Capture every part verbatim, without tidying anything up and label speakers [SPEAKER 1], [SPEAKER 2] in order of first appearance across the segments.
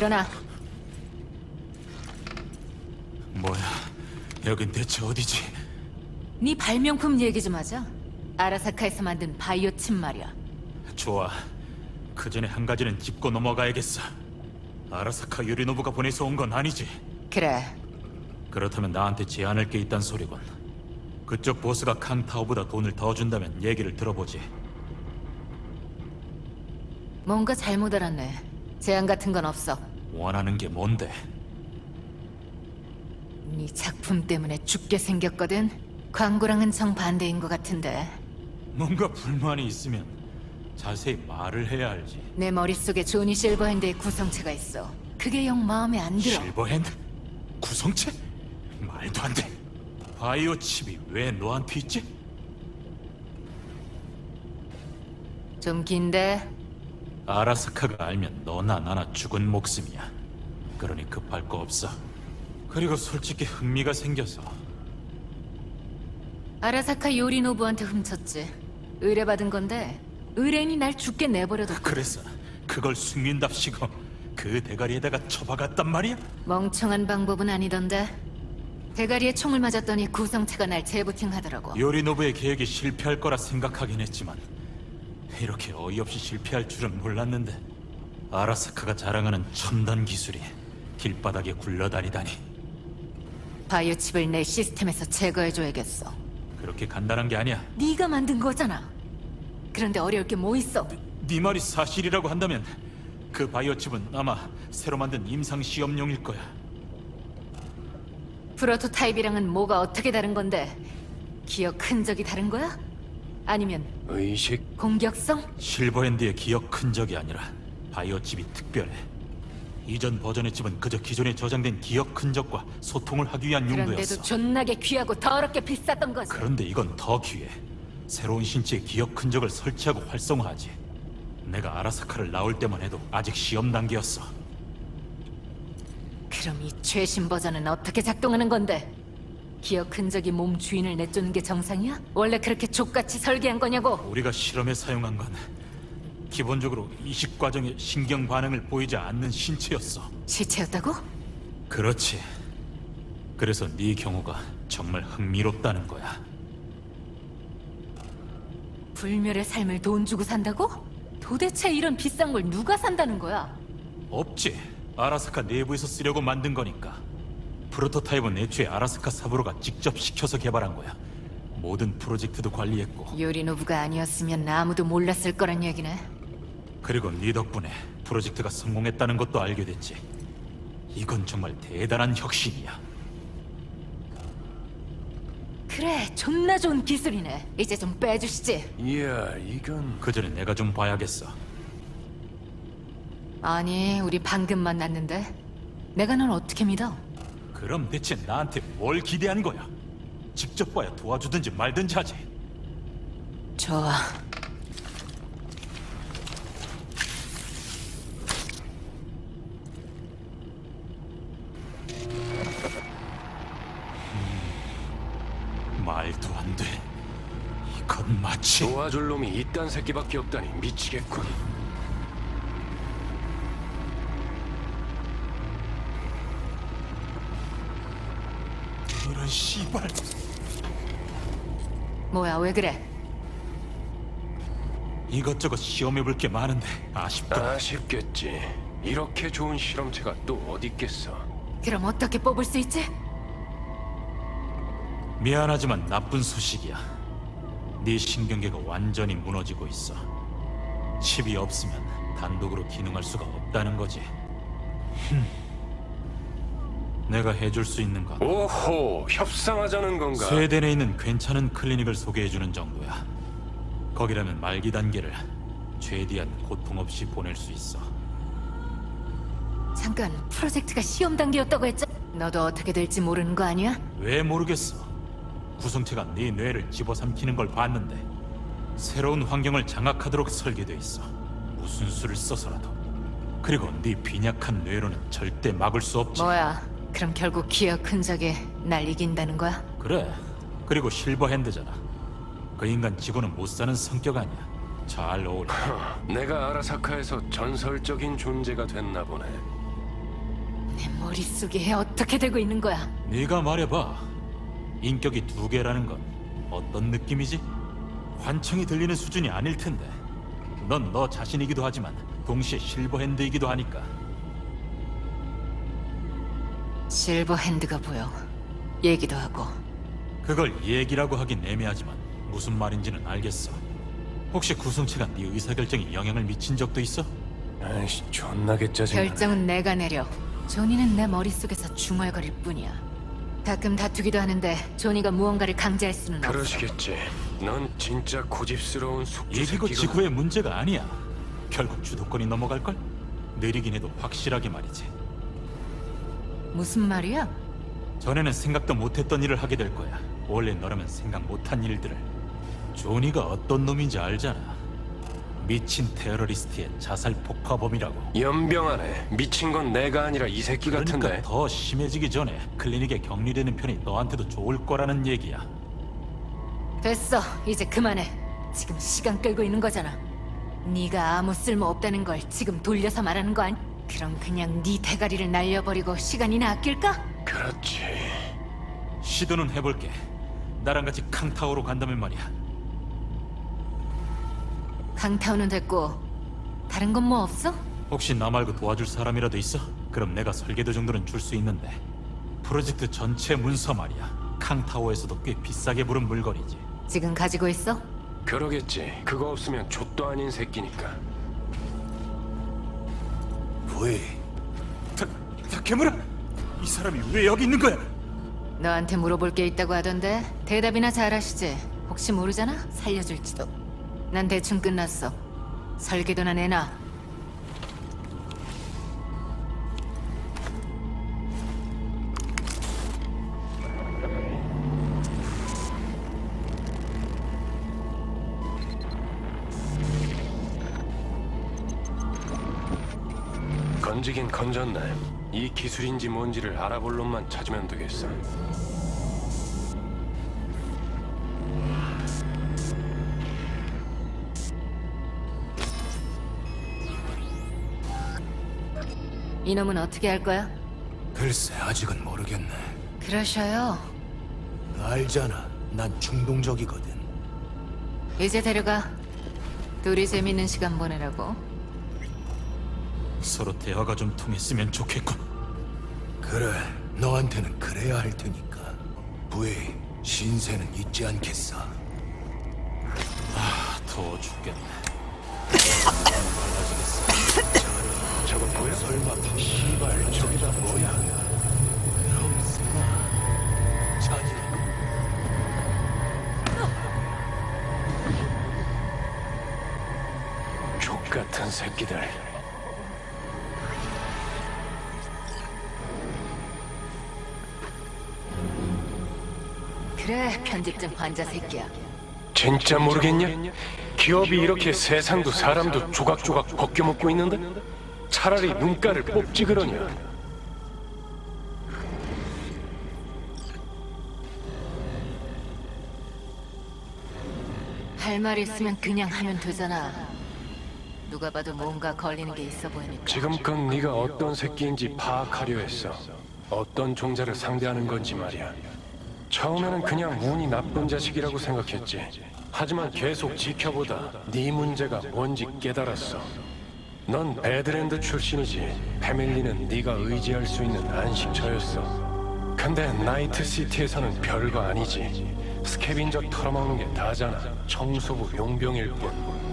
[SPEAKER 1] 일어나.
[SPEAKER 2] 뭐야, 여긴 대체 어디지?
[SPEAKER 1] 네 발명품 얘기 좀 하자. 아라사카에서 만든 바이오 칩 말이야.
[SPEAKER 2] 좋아. 그 전에 한 가지는 짚고 넘어가야겠어. 아라사카 요리노부가 보내서 온 건 아니지?
[SPEAKER 1] 그래.
[SPEAKER 2] 그렇다면 나한테 제안할 게 있단 소리군. 그쪽 보스가 칸타오보다 돈을 더 준다면 얘기를 들어보지.
[SPEAKER 1] 뭔가 잘못 알았네. 제안 같은 건 없어.
[SPEAKER 2] 원하는 게 뭔데?
[SPEAKER 1] 네 작품 때문에 죽게 생겼거든. 광고랑은 정반대인 것 같은데.
[SPEAKER 2] 뭔가 불만이 있으면 자세히 말을 해야 알지.
[SPEAKER 1] 내 머릿속에 조니 실버핸드의 구성체가 있어. 그게 영 마음에 안 들어.
[SPEAKER 2] 실버핸드? 구성체? 말도 안 돼. 바이오 칩이 왜 너한테 있지?
[SPEAKER 1] 좀 긴데.
[SPEAKER 2] 아라사카가 알면 너나 나나 죽은 목숨이야. 그러니 급할 거 없어. 그리고 솔직히 흥미가 생겨서.
[SPEAKER 1] 아라사카 요리노부한테 훔쳤지. 의뢰받은 건데 의뢰인이 날 죽게 내버려뒀.
[SPEAKER 2] 그래서 그걸 숨긴답시고 그 대가리에다가 쳐박았단 말이야?
[SPEAKER 1] 멍청한 방법은 아니던데. 대가리에 총을 맞았더니 구성체가 날 재부팅하더라고.
[SPEAKER 2] 요리노부의 계획이 실패할 거라 생각하긴 했지만 이렇게 어이없이 실패할 줄은 몰랐는데 아라사카가 자랑하는 첨단 기술이 길바닥에 굴러다니다니.
[SPEAKER 1] 바이오 칩을 내 시스템에서 제거해줘야겠어.
[SPEAKER 2] 그렇게 간단한 게 아니야.
[SPEAKER 1] 네가 만든 거잖아. 그런데 어려울 게 뭐 있어?
[SPEAKER 2] 네 말이 사실이라고 한다면 그 바이오 칩은 아마 새로 만든 임상 시험용일 거야.
[SPEAKER 1] 프로토타입이랑은 뭐가 어떻게 다른 건데? 기억 흔적이 다른 거야? 아니면
[SPEAKER 3] 의식?
[SPEAKER 1] 공격성?
[SPEAKER 2] 실버핸드의 기억 흔적이 아니라 바이오 칩이 특별해. 이전 버전의 칩은 그저 기존에 저장된 기억 흔적과 소통을 하기 위한
[SPEAKER 1] 그런데도
[SPEAKER 2] 용도였어.
[SPEAKER 1] 존나게 귀하고 더럽게 비쌌던 거지.
[SPEAKER 2] 그런데 이건 더 귀해. 새로운 신체에 기억 흔적을 설치하고 활성화하지. 내가 아라사카를 나올 때만 해도 아직 시험 단계였어.
[SPEAKER 1] 그럼 이 최신 버전은 어떻게 작동하는 건데? 기억 흔적이 몸 주인을 내쫓는 게 정상이야? 원래 그렇게 족같이 설계한 거냐고?
[SPEAKER 2] 우리가 실험에 사용한 건 기본적으로 이식 과정에 신경 반응을 보이지 않는 신체였어.
[SPEAKER 1] 시체였다고?
[SPEAKER 2] 그렇지. 그래서 네 경우가 정말 흥미롭다는 거야.
[SPEAKER 1] 불멸의 삶을 돈 주고 산다고? 도대체 이런 비싼 걸 누가 산다는 거야?
[SPEAKER 2] 없지. 아라사카 내부에서 쓰려고 만든 거니까. 프로토타입은 애초에 아라사카 사부로가 직접 시켜서 개발한 거야. 모든 프로젝트도 관리했고.
[SPEAKER 1] 요리노부가 아니었으면 아무도 몰랐을 거란 얘기네.
[SPEAKER 2] 그리고 네 덕분에 프로젝트가 성공했다는 것도 알게 됐지. 이건 정말 대단한 혁신이야.
[SPEAKER 1] 그래, 존나 좋은 기술이네. 이제 좀 빼주시지.
[SPEAKER 3] 이야, 이건...
[SPEAKER 2] 그 전에 내가 좀 봐야겠어.
[SPEAKER 1] 아니, 우리 방금 만났는데 내가 널 어떻게 믿어?
[SPEAKER 2] 그럼 대체 나한테 뭘 기대한 거야? 직접 봐야 도와주든지 말든지 하지.
[SPEAKER 1] 좋아.
[SPEAKER 2] 말도 안 돼. 이건 마치
[SPEAKER 3] 도와줄 놈이 이딴 새끼밖에 없다니 미치겠군.
[SPEAKER 2] 이런 씨발.
[SPEAKER 1] 뭐야, 왜 그래?
[SPEAKER 2] 이것저것 시험해볼 게 많은데 아쉽다.
[SPEAKER 3] 아쉽겠지. 이렇게 좋은 실험체가 또 어디 있겠어.
[SPEAKER 1] 그럼 어떻게 뽑을 수 있지?
[SPEAKER 2] 미안하지만 나쁜 소식이야. 네 신경계가 완전히 무너지고 있어. 칩이 없으면 단독으로 기능할 수가 없다는 거지. 흠. 내가 해줄 수 있는 건
[SPEAKER 3] 오호, 협상하자는 건가?
[SPEAKER 2] 스웨덴에 있는 괜찮은 클리닉을 소개해주는 정도야. 거기라면 말기 단계를 최대한 고통 없이 보낼 수 있어.
[SPEAKER 1] 잠깐, 프로젝트가 시험 단계였다고 했죠? 너도 어떻게 될지 모르는 거 아니야?
[SPEAKER 2] 왜 모르겠어. 구성체가 네 뇌를 집어삼키는 걸 봤는데 새로운 환경을 장악하도록 설계돼 있어. 무슨 수를 써서라도. 그리고 네 빈약한 뇌로는 절대 막을 수 없지.
[SPEAKER 1] 뭐야, 그럼 결국 기억 흔적에 날 이긴다는 거야?
[SPEAKER 2] 그래. 그리고 실버핸드잖아. 그 인간 지고는 못 사는 성격 아니야. 잘 어울려.
[SPEAKER 3] 내가 아라사카에서 전설적인 존재가 됐나 보네.
[SPEAKER 1] 내 머릿속에 어떻게 되고 있는 거야?
[SPEAKER 2] 네가 말해봐. 인격이 두 개라는 건 어떤 느낌이지? 환청이 들리는 수준이 아닐 텐데. 넌 너 자신이기도 하지만 동시에 실버핸드이기도 하니까.
[SPEAKER 1] 실버 핸드가 보여. 얘기도 하고.
[SPEAKER 2] 그걸 얘기라고 하긴 애매하지만 무슨 말인지는 알겠어. 혹시 구성체가 네 의사결정에 영향을 미친 적도 있어?
[SPEAKER 3] 아이씨, 존나게 짜증나.
[SPEAKER 1] 결정은 내가 내려. 조니는 내 머릿속에서 중얼거릴 뿐이야. 가끔 다투기도 하는데 조니가 무언가를 강제할 수는 없어.
[SPEAKER 3] 그러시겠지. 넌 진짜 고집스러운 숙주
[SPEAKER 2] 얘기고
[SPEAKER 3] 새끼가.
[SPEAKER 2] 지구의 문제가 아니야. 결국 주도권이 넘어갈걸? 느리긴 해도 확실하게 말이지.
[SPEAKER 1] 무슨 말이야?
[SPEAKER 2] 전에는 생각도 못했던 일을 하게 될 거야. 원래 너라면 생각 못한 일들을. 조니가 어떤 놈인지 알잖아. 미친 테러리스트의 자살 폭파범이라고.
[SPEAKER 3] 연병하네. 미친 건 내가 아니라 이 새끼
[SPEAKER 2] 그러니까
[SPEAKER 3] 같은데.
[SPEAKER 2] 더 심해지기 전에 클리닉에 격리되는 편이 너한테도 좋을 거라는 얘기야.
[SPEAKER 1] 됐어. 이제 그만해. 지금 시간 끌고 있는 거잖아. 네가 아무 쓸모 없다는 걸 지금 돌려서 말하는 거 아니? 그럼 그냥 네 대가리를 날려버리고 시간이나 아낄까?
[SPEAKER 3] 그렇지.
[SPEAKER 2] 시도는 해볼게. 나랑 같이 캉타오로 간다면 말이야.
[SPEAKER 1] 강타오는 됐고 다른 건 뭐 없어?
[SPEAKER 2] 혹시 나 말고 도와줄 사람이라도 있어? 그럼 내가 설계도 정도는 줄 수 있는데. 프로젝트 전체 문서 말이야. 캉타오에서도 꽤 비싸게 부른 물건이지.
[SPEAKER 1] 지금 가지고 있어?
[SPEAKER 3] 그러겠지. 그거 없으면 족도 아닌 새끼니까.
[SPEAKER 2] 부이. 다, 다케무라! 이 사람이 왜 여기 있는 거야?
[SPEAKER 1] 너한테 물어볼 게 있다고 하던데 대답이나 잘하시지. 혹시 모르잖아? 살려줄지도. 난 대충 끝났어. 설계도나 내놔.
[SPEAKER 3] 건지긴 건졌네. 이 기술인지 뭔지를 알아볼 놈만 찾으면 되겠어.
[SPEAKER 1] 이놈은 어떻게 할 거야?
[SPEAKER 4] 글쎄, 아직은 모르겠네.
[SPEAKER 1] 그러셔요.
[SPEAKER 4] 알잖아, 난 충동적이거든.
[SPEAKER 1] 이제 데려가. 둘이 재밌는 시간 보내라고.
[SPEAKER 2] 서로 대화가 좀 통했으면 좋겠군.
[SPEAKER 4] 그래, 너한테는 그래야 할 테니까. 부이, 신세는 잊지 않겠어.
[SPEAKER 2] 더워 죽겠네.
[SPEAKER 3] 저거 보여?
[SPEAKER 4] 설마 시발 저기다 뭐야? 그럼 쓰나? 자지.
[SPEAKER 3] 족 같은 새끼들.
[SPEAKER 1] 그래, 편집증 환자 새끼야.
[SPEAKER 3] 진짜 모르겠냐? 기업이 이렇게 세상도 사람도 조각조각 벗겨먹고 있는데? 차라리 눈가를 뽑지 그러냐?
[SPEAKER 1] 할 말 있으면 그냥 하면 되잖아. 누가 봐도 뭔가 걸리는 게 있어 보이니까.
[SPEAKER 3] 지금껏 네가 어떤 새끼인지 파악하려 했어. 어떤 종자를 상대하는 건지 말이야. 처음에는 그냥 운이 나쁜 자식이라고 생각했지. 하지만 계속 지켜보다 네 문제가 뭔지 깨달았어. 넌 배드랜드 출신이지. 패밀리는 네가 의지할 수 있는 안식처였어. 근데 나이트 시티에서는 별거 아니지. 스캐빈저 털어먹는 게 다잖아. 청소부 용병일 뿐.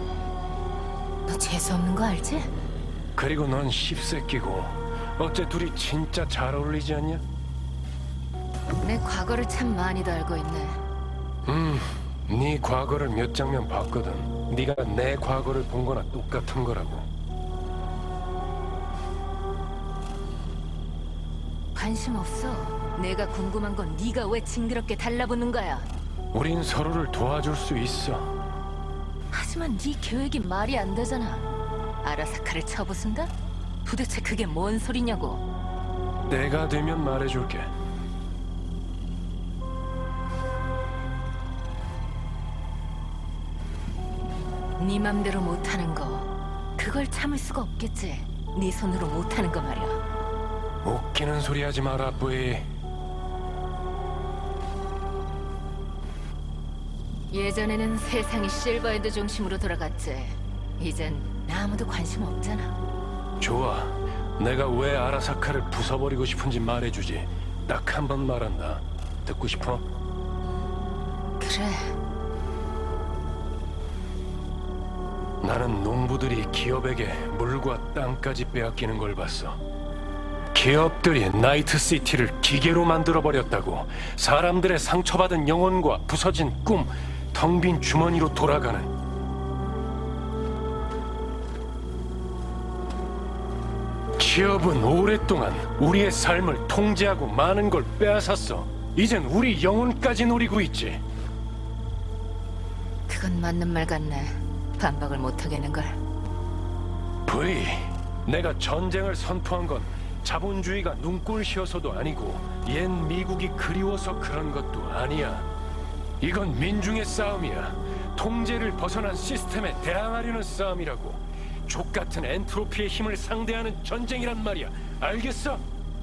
[SPEAKER 1] 너 재수없는 거 알지?
[SPEAKER 3] 그리고 넌 씹새끼고. 어째 둘이 진짜 잘 어울리지 않냐?
[SPEAKER 1] 내 과거를 참 많이도 알고 있네.
[SPEAKER 3] 음, 네 과거를 몇 장면 봤거든. 네가 내 과거를 본 거나 똑같은 거라고.
[SPEAKER 1] 관심 없어. 내가 궁금한 건 네가 왜 징그럽게 달라붙는 거야.
[SPEAKER 3] 우린 서로를 도와줄 수 있어.
[SPEAKER 1] 하지만 네 계획이 말이 안 되잖아. 아라사카를 쳐부순다? 도대체 그게 뭔 소리냐고.
[SPEAKER 3] 내가 되면 말해줄게.
[SPEAKER 1] 네 맘대로 못하는 거 그걸 참을 수가 없겠지. 네 손으로 못하는 거 말이야.
[SPEAKER 3] 웃기는 소리 하지 마라, 부이.
[SPEAKER 1] 예전에는 세상이 실버헤드 중심으로 돌아갔지. 이젠 아무도 관심 없잖아.
[SPEAKER 3] 좋아. 내가 왜 아라사카를 부숴버리고 싶은지 말해주지. 딱 한 번 말한다. 듣고 싶어?
[SPEAKER 1] 그래.
[SPEAKER 3] 나는 농부들이 기업에게 물과 땅까지 빼앗기는 걸 봤어. 기업들이 나이트시티를 기계로 만들어버렸다고. 사람들의 상처받은 영혼과 부서진 꿈, 텅 빈 주머니로 돌아가는. 기업은 오랫동안 우리의 삶을 통제하고 많은 걸 빼앗았어. 이젠 우리 영혼까지 노리고 있지.
[SPEAKER 1] 그건 맞는 말 같네. 반박을 못 하겠는걸.
[SPEAKER 3] 브이, 내가 전쟁을 선포한 건 자본주의가 눈꼴시어서도 아니고 옛 미국이 그리워서 그런 것도 아니야. 이건 민중의 싸움이야. 통제를 벗어난 시스템에 대항하려는 싸움이라고. 족같은 엔트로피의 힘을 상대하는 전쟁이란 말이야. 알겠어?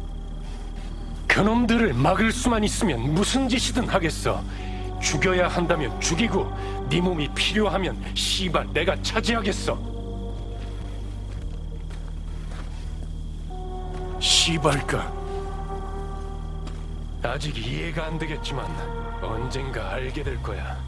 [SPEAKER 3] 그놈들을 막을 수만 있으면 무슨 짓이든 하겠어. 죽여야 한다면 죽이고 네 몸이 필요하면 씨발 내가 차지하겠어. 씨발까? 아직 이해가 안 되겠지만 언젠가 알게 될 거야.